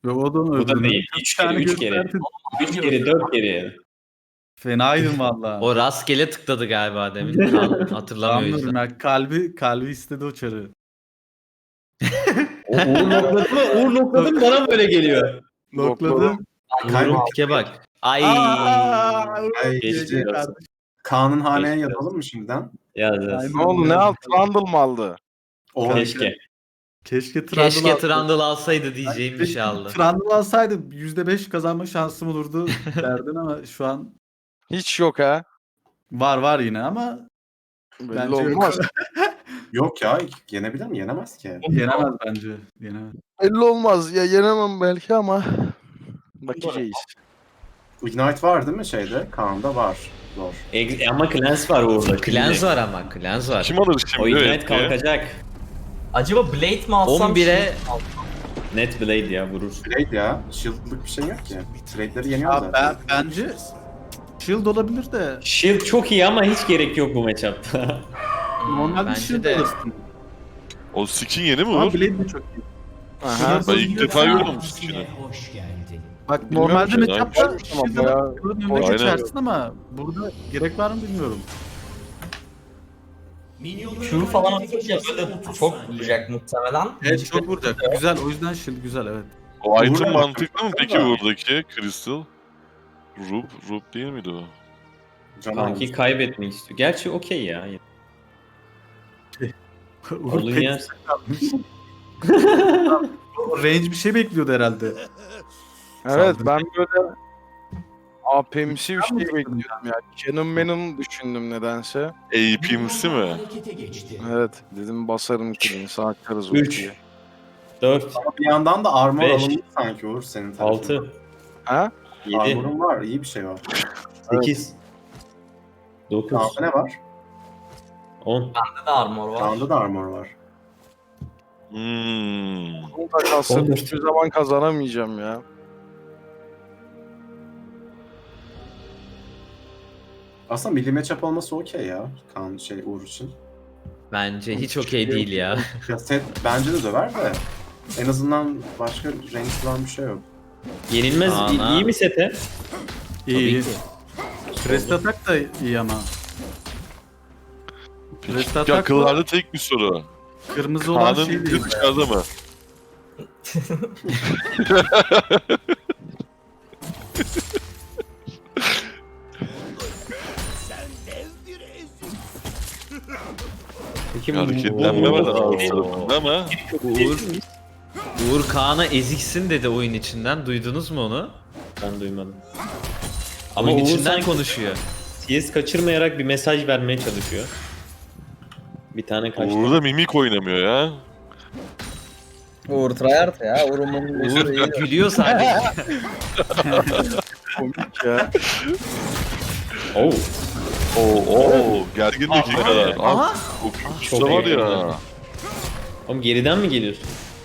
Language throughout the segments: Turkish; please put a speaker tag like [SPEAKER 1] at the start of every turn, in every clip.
[SPEAKER 1] Ve o da
[SPEAKER 2] Bu da
[SPEAKER 1] öldürdü.
[SPEAKER 2] değil. 3 kere, 3 kere. 3 kere, 4 kere.
[SPEAKER 1] Fenaydın valla.
[SPEAKER 3] O rastgele tıkladı galiba demin. Kaan hatırlamıyor o
[SPEAKER 1] Anlıyorum
[SPEAKER 3] yüzden.
[SPEAKER 1] ya. Kalbi istedi o çarı.
[SPEAKER 2] Uğur nokladı mı? Uğur nokladı mı? Bana böyle geliyor.
[SPEAKER 1] Nokladım.
[SPEAKER 3] Uğur'un pike bak. Ay.
[SPEAKER 4] Ay,
[SPEAKER 2] Geçti
[SPEAKER 4] işte.
[SPEAKER 2] olsun.
[SPEAKER 4] Kaan'ın haneye
[SPEAKER 2] Geçti
[SPEAKER 4] yazalım mı şimdiden?
[SPEAKER 2] Yaz.
[SPEAKER 1] Aynen.
[SPEAKER 5] Ne oldu? Ne aldı? Trundle mı aldı?
[SPEAKER 4] O
[SPEAKER 2] Keşke.
[SPEAKER 1] Keşke Trundle
[SPEAKER 3] Keşke Trundle alsaydı diyeceğim bir şey aldı.
[SPEAKER 1] Trundle alsaydı %5 kazanma şansım olurdu derdin ama şu an
[SPEAKER 5] Hiç yok ha.
[SPEAKER 1] var yine ama
[SPEAKER 5] Belli
[SPEAKER 1] bence yok.
[SPEAKER 5] olmaz.
[SPEAKER 4] yok ya. Yenebilir mi? Yenemez ki.
[SPEAKER 1] Yenemez bence. Yenemez.
[SPEAKER 5] Belli olmaz. Ya yenemem belki ama bakacağız.
[SPEAKER 4] Ignite var değil mi şeyde? Kaan'da var. Zor.
[SPEAKER 2] Ama Clans var Uğur'da.
[SPEAKER 3] Clans var ama. Clans var.
[SPEAKER 6] Kim alır
[SPEAKER 2] O
[SPEAKER 6] şimdi?
[SPEAKER 2] Ignite
[SPEAKER 6] Evet,
[SPEAKER 2] kalkacak.
[SPEAKER 7] Acaba Blade mi alsam?
[SPEAKER 3] 11'e
[SPEAKER 2] Net Blade ya vurur.
[SPEAKER 4] Blade ya. Shield'lık bir şey yok ki. Trade'leri yeniyor
[SPEAKER 1] Ya
[SPEAKER 4] zaten.
[SPEAKER 1] bence Shield olabilir de
[SPEAKER 2] Shield çok iyi ama hiç gerek yok bu matchup'ta.
[SPEAKER 1] normalde
[SPEAKER 3] Bence
[SPEAKER 1] Shield
[SPEAKER 3] de.
[SPEAKER 1] alırsın.
[SPEAKER 6] O skin yeni mi
[SPEAKER 1] Ama
[SPEAKER 6] Uğur?
[SPEAKER 1] Blade de çok iyi.
[SPEAKER 5] Aha.
[SPEAKER 6] Ben ilk defa gördüm bu skin'i.
[SPEAKER 1] Bak
[SPEAKER 5] Bilmiyorum
[SPEAKER 1] normalde
[SPEAKER 5] ki,
[SPEAKER 1] matchup'ta
[SPEAKER 5] ama
[SPEAKER 1] Shield'la
[SPEAKER 5] bayağı-
[SPEAKER 1] önüne
[SPEAKER 6] Aynen.
[SPEAKER 1] geçersin ama burada gerek var mı bilmiyorum.
[SPEAKER 7] Q falan atınca böyle çok vuracak muhtemelen.
[SPEAKER 1] Evet çok vuracak. Güzel o yüzden Shield güzel evet.
[SPEAKER 6] O item
[SPEAKER 4] Uğur'la
[SPEAKER 6] mantıklı mı peki
[SPEAKER 4] da.
[SPEAKER 6] buradaki Crystal? Rub değil miydi o?
[SPEAKER 4] Can
[SPEAKER 2] Sanki
[SPEAKER 4] almış.
[SPEAKER 2] kaybetmek istiyor. Gerçi okey ya.
[SPEAKER 1] Uğur
[SPEAKER 2] Alın
[SPEAKER 1] pek
[SPEAKER 2] yer.
[SPEAKER 1] o range bir şey bekliyordu herhalde.
[SPEAKER 5] Evet
[SPEAKER 1] Saldırı.
[SPEAKER 5] ben böyle AP'msi bir şey bekliyordum ya. Canon düşündüm nedense.
[SPEAKER 6] AP'msi mi?
[SPEAKER 5] Evet dedim basarım kilini sarkarız
[SPEAKER 2] 3,
[SPEAKER 5] ultiyi.
[SPEAKER 2] 4,
[SPEAKER 4] Ama bir yandan da armor
[SPEAKER 2] 5,
[SPEAKER 4] alındı sanki Uğur senin tarafından.
[SPEAKER 2] 6,
[SPEAKER 5] Ha?
[SPEAKER 2] 7,
[SPEAKER 4] Armor'un var. İyi bir şey var.
[SPEAKER 2] 8, 9,
[SPEAKER 4] Kaan'da ne var?
[SPEAKER 2] 10.
[SPEAKER 7] Bende de armor var.
[SPEAKER 4] Kaan'da da armor var.
[SPEAKER 5] Bunu da kalsın
[SPEAKER 2] 14.
[SPEAKER 5] hiçbir zaman kazanamayacağım ya.
[SPEAKER 4] Aslında milli matchup olması okey ya. Kaan Uğur için.
[SPEAKER 3] bence hiç okey değil ya.
[SPEAKER 4] Ya set bence de döver de. En azından başka range falan bir şey yok.
[SPEAKER 2] Yenilmez
[SPEAKER 3] Ana.
[SPEAKER 2] iyi mi sete?
[SPEAKER 1] İyi.
[SPEAKER 3] ki.
[SPEAKER 1] Crest atak da iyi ama. Crest
[SPEAKER 6] Peki
[SPEAKER 1] atak
[SPEAKER 6] akıllarda tek bir soru.
[SPEAKER 1] kırmızı olan
[SPEAKER 6] Kaan'ın
[SPEAKER 1] şey değil.
[SPEAKER 6] dışarıda mı?
[SPEAKER 2] Peki
[SPEAKER 6] Bir hareketlenme var
[SPEAKER 2] Oo.
[SPEAKER 6] ağız tarafında ama.
[SPEAKER 3] Uğur Kaan'a eziksin dedi oyun içinden. Duydunuz mu onu?
[SPEAKER 2] Ben duymadım. Ama
[SPEAKER 3] Oyun
[SPEAKER 2] Uğur
[SPEAKER 3] içinden
[SPEAKER 2] sanki
[SPEAKER 3] konuşuyor.
[SPEAKER 2] CS kaçırmayarak bir mesaj vermeye çalışıyor. Bir tane kaçtı.
[SPEAKER 6] Uğur da mimik oynamıyor ya.
[SPEAKER 8] Uğur tryhard ya. Uğur'un
[SPEAKER 3] Uğur gülüyor sadece.
[SPEAKER 5] Komik ya.
[SPEAKER 2] Oo.
[SPEAKER 6] Oo, gergin dakikalar.
[SPEAKER 3] Aha.
[SPEAKER 6] O
[SPEAKER 2] Çok
[SPEAKER 6] küçükse var
[SPEAKER 2] iyi.
[SPEAKER 6] ya.
[SPEAKER 2] Oğlum geriden mi geliyorsun?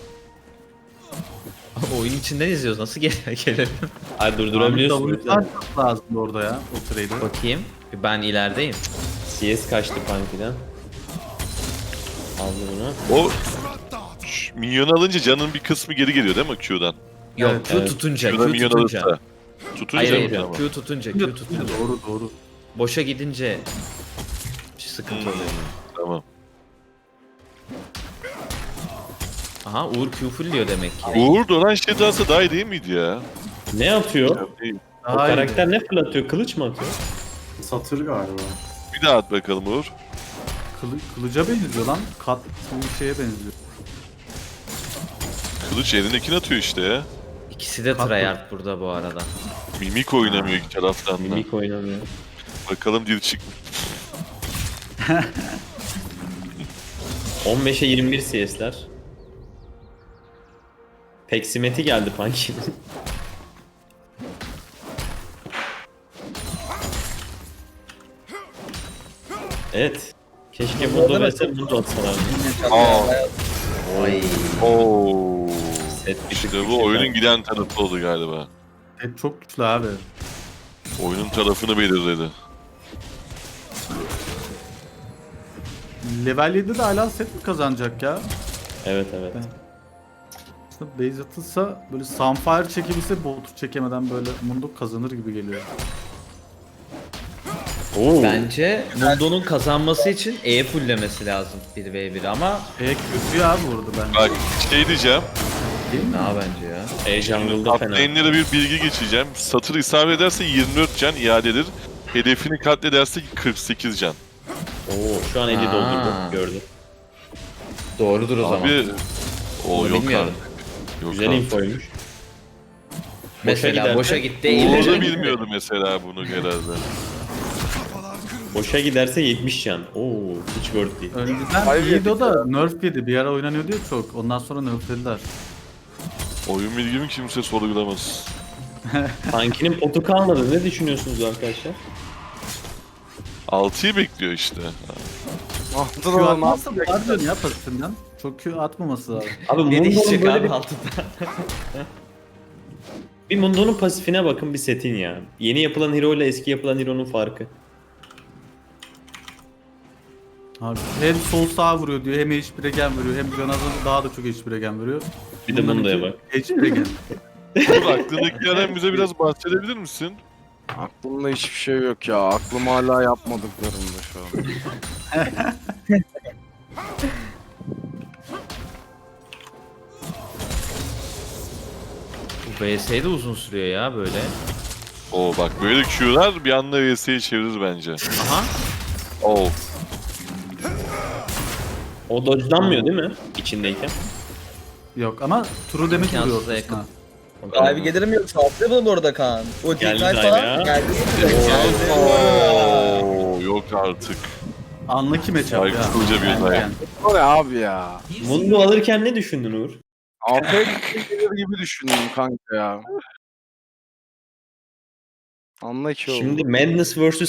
[SPEAKER 3] Oyun içinden izliyoruz. Nasıl gelelim?
[SPEAKER 2] Ay durdurabiliyorsun.
[SPEAKER 1] W'lar çok lazım orada ya o trade'e.
[SPEAKER 3] Bakayım. Ben ilerideyim.
[SPEAKER 2] CS kaçtı Punky'den. Aldı bunu.
[SPEAKER 6] O minyon alınca canın bir kısmı geri geliyor değil mi Q'dan?
[SPEAKER 3] Yok
[SPEAKER 1] Evet,
[SPEAKER 3] Q
[SPEAKER 2] evet.
[SPEAKER 3] tutunca.
[SPEAKER 6] Q'da
[SPEAKER 3] Q
[SPEAKER 6] minyon
[SPEAKER 3] tutunca.
[SPEAKER 6] alırsa. Tutunca
[SPEAKER 3] Hayır
[SPEAKER 6] mı?
[SPEAKER 3] hayır.
[SPEAKER 6] Tamam.
[SPEAKER 3] Q tutunca. Q tutunca.
[SPEAKER 1] Doğru.
[SPEAKER 3] Boşa gidince sıkıntı oluyor.
[SPEAKER 6] Tamam.
[SPEAKER 3] Aha Uğur Q fullliyor demek ki.
[SPEAKER 6] Uğur dolan şey dansa daha iyi değil miydi ya?
[SPEAKER 2] Ne atıyor?
[SPEAKER 6] Değil.
[SPEAKER 2] O karakter ne fırlatıyor? Kılıç mı atıyor?
[SPEAKER 4] Satır galiba.
[SPEAKER 6] Bir daha at bakalım Uğur.
[SPEAKER 1] Kılıca benziyor lan. Kat bir şeye benziyor.
[SPEAKER 6] Kılıç elindekini atıyor işte ya.
[SPEAKER 3] İkisi de tryhard burada bu arada.
[SPEAKER 6] Mimik oynamıyor iki taraftan da.
[SPEAKER 2] Mimik oynamıyor.
[SPEAKER 6] Bakalım dil çık.
[SPEAKER 2] 15'e 21 CS'ler. Peksimeti geldi Punky'nin. Evet. Keşke bunu verse bunu da atsalar.
[SPEAKER 6] Aa.
[SPEAKER 3] Ay.
[SPEAKER 6] Oo.
[SPEAKER 2] Set bir tık
[SPEAKER 6] İşte bu
[SPEAKER 2] güçlü.
[SPEAKER 6] oyunun giden tarafı oldu galiba.
[SPEAKER 1] Evet çok güçlü abi.
[SPEAKER 6] Oyunun tarafını belirledi.
[SPEAKER 1] Level 7'de hala set mi kazanacak ya?
[SPEAKER 2] Evet evet.
[SPEAKER 1] aslında base atılsa böyle Sunfire çekebilse botu çekemeden böyle Mundo kazanır gibi geliyor.
[SPEAKER 2] Oo.
[SPEAKER 3] Bence Mundo'nun kazanması için E fulllemesi lazım 1v1 ama
[SPEAKER 1] Kötü ya burada bence.
[SPEAKER 6] Bak şey diyeceğim.
[SPEAKER 1] Değil mi?
[SPEAKER 3] ne bence ya.
[SPEAKER 2] E jungle'da
[SPEAKER 6] Top
[SPEAKER 2] fena.
[SPEAKER 6] lane'lere bir bilgi geçeceğim. Satır isabet ederse 24 can iadedir. Hedefini katlederse 48 can.
[SPEAKER 2] Oo, şu an 50
[SPEAKER 3] Aa.
[SPEAKER 2] doldurdu. Gördüm.
[SPEAKER 3] Doğrudur o zaman.
[SPEAKER 6] Abi o
[SPEAKER 3] Bunu
[SPEAKER 6] yok
[SPEAKER 3] bilmiyorum.
[SPEAKER 6] artık. Yok
[SPEAKER 2] Güzel
[SPEAKER 6] artık.
[SPEAKER 2] infoymuş.
[SPEAKER 3] Mesela
[SPEAKER 2] giderse-
[SPEAKER 3] boşa gitti.
[SPEAKER 6] Uğur
[SPEAKER 3] iyileşe
[SPEAKER 6] da
[SPEAKER 3] gitti.
[SPEAKER 6] bilmiyordu mesela bunu herhalde.
[SPEAKER 2] Boşa giderse 70 can. Oo, hiç worth değil.
[SPEAKER 1] Önceden
[SPEAKER 5] Hayır,
[SPEAKER 1] iyiydi o da nerf yedi. Bir ara oynanıyordu ya çok. Ondan sonra nerflediler.
[SPEAKER 6] Oyun bilgimi kimse sorgulamaz.
[SPEAKER 2] Tankinin potu kalmadı. Ne düşünüyorsunuz arkadaşlar?
[SPEAKER 6] 6'yı bekliyor işte.
[SPEAKER 5] Altın
[SPEAKER 1] Q
[SPEAKER 5] olan
[SPEAKER 1] atmazsa var diyorsun ya pasifinden. Çok Q atmaması lazım.
[SPEAKER 2] Abi
[SPEAKER 3] Ne
[SPEAKER 2] Mundo'nun
[SPEAKER 3] diyecek
[SPEAKER 2] böyle
[SPEAKER 3] abi
[SPEAKER 2] bir,
[SPEAKER 3] altında?
[SPEAKER 2] bir Mundo'nun pasifine bakın bir setin ya. Yeni yapılan hero ile eski yapılan hero'nun farkı.
[SPEAKER 1] Abi hem sol sağ vuruyor diyor, hem HP regen veriyor, hem Canaz'ın daha da çok HP regen veriyor.
[SPEAKER 2] Bir de Mundo'ya bak.
[SPEAKER 1] HP regen.
[SPEAKER 6] Uğur aklındakilerden bize biraz bahsedebilir misin?
[SPEAKER 5] Aklımda hiçbir şey yok ya. Aklım hala yapmadıklarımda şu an.
[SPEAKER 3] Bu VS de uzun sürüyor ya böyle.
[SPEAKER 6] Oo bak böyle Q'lar bir anda VS'yi çevirir bence.
[SPEAKER 3] Aha.
[SPEAKER 6] Oo.
[SPEAKER 2] O dodge'lanmıyor değil mi? İçindeyken.
[SPEAKER 1] Yok ama true damage vuruyor
[SPEAKER 3] İmkansıza
[SPEAKER 1] ortasına.
[SPEAKER 3] yakın.
[SPEAKER 8] Sahibi gelir mi yoksa? Atlıyor bu arada Kaan. O
[SPEAKER 2] Geldi
[SPEAKER 8] Ignite
[SPEAKER 2] dive
[SPEAKER 8] falan
[SPEAKER 2] ya.
[SPEAKER 8] geldi.
[SPEAKER 6] Oo yok artık.
[SPEAKER 1] Unlucky matchup ya.
[SPEAKER 6] Saygısızca bir
[SPEAKER 1] Yani-
[SPEAKER 6] olay.
[SPEAKER 1] yani.
[SPEAKER 5] O ne abi ya?
[SPEAKER 2] Mundo alırken ne düşündün Uğur?
[SPEAKER 5] APK gelir gibi düşündüm kanka ya. Anla ki oğlum.
[SPEAKER 2] Şimdi Madness vs